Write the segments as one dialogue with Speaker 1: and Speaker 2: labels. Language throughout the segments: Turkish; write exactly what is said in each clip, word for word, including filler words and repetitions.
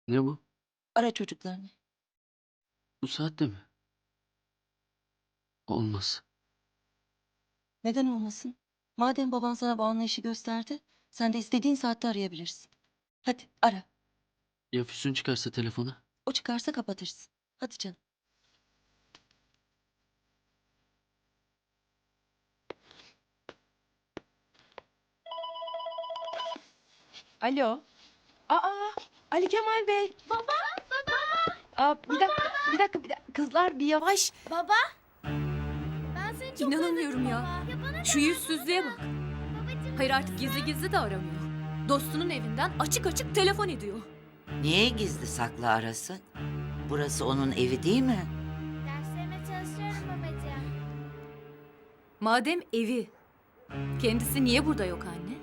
Speaker 1: Ne bu?
Speaker 2: Ara çocuklarını.
Speaker 1: Bu saatte mi? Olmaz.
Speaker 2: Neden olmasın? Madem baban sana bu anlayışı gösterdi, sen de istediğin saatte arayabilirsin. Hadi ara.
Speaker 1: Ya Füsun çıkarsa telefonu?
Speaker 2: O çıkarsa kapatırsın. Hadi canım.
Speaker 3: Alo. Aa, Ali Kemal Bey. Baba, baba. Aa, bir dakika, bir dakika, bir dakika. Kızlar bir yavaş.
Speaker 4: Baba. Ben seni çok
Speaker 5: İnanamıyorum
Speaker 4: özledim
Speaker 5: ya.
Speaker 4: baba. Ya bana
Speaker 5: Şu yüzsüzlüğe bak.
Speaker 4: babacığım.
Speaker 5: Hayır artık gizli gizli de aramıyor. Dostunun evinden açık açık telefon ediyor.
Speaker 6: Niye gizli saklı arasın? Burası onun evi değil mi?
Speaker 4: Derslerime çalışıyorum babacığım.
Speaker 5: Madem evi, kendisi niye burada yok anne?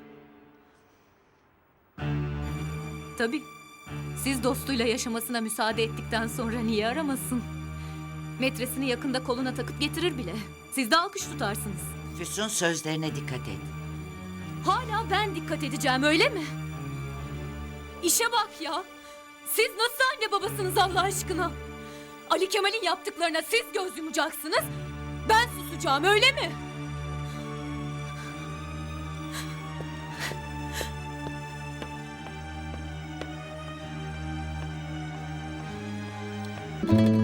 Speaker 5: Tabii. Siz dostuyla yaşamasına müsaade ettikten sonra niye aramasın? Metresini yakında koluna takıp getirir bile. Siz de alkış tutarsınız.
Speaker 6: Füsun sözlerine dikkat et.
Speaker 5: Hala ben dikkat edeceğim öyle mi? İşe bak ya. Siz nasıl anne babasınız Allah aşkına? Ali Kemal'in yaptıklarına siz göz yumacaksınız. Ben susacağım öyle mi?